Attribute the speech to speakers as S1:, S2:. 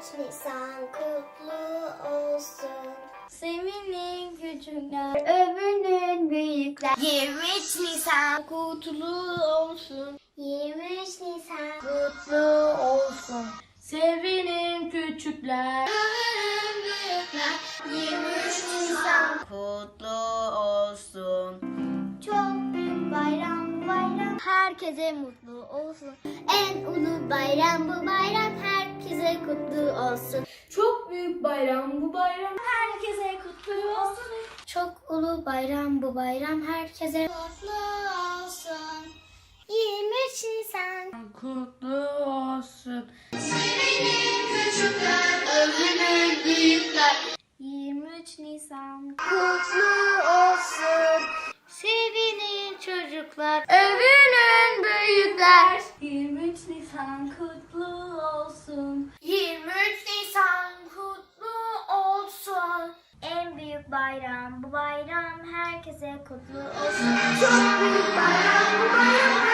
S1: Nisan kutlu olsun.
S2: Sevinin küçükler,
S1: Övünün büyükler.
S2: 23 Nisan kutlu olsun.
S1: 23 Nisan
S2: Kutlu olsun. Sevinin küçükler,
S1: övünün büyükler.
S2: 23 Nisan kutlu olsun.
S1: Çok büyük bayram bu bayram.
S2: Herkese mutlu olsun.
S1: En ulu bayram bu bayram. Herkese kutlu olsun.
S2: Çok büyük bayram bu bayram. Herkese kutlu olsun.
S1: Çok ulu bayram bu bayram. Herkese kutlu olsun. 23 Nisan
S2: Kutlu olsun.
S1: sevinin küçükler.
S2: Övünün büyükler. 23 Nisan
S1: Kutlu olsun.
S2: sevinin çocuklar. Övünün büyükler. 23 Nisan kutlu olsun.
S1: 23 Nisan kutlu olsun.
S2: En büyük bayram bu bayram. Herkese kutlu olsun.
S1: Çok büyük bayram bu bayram.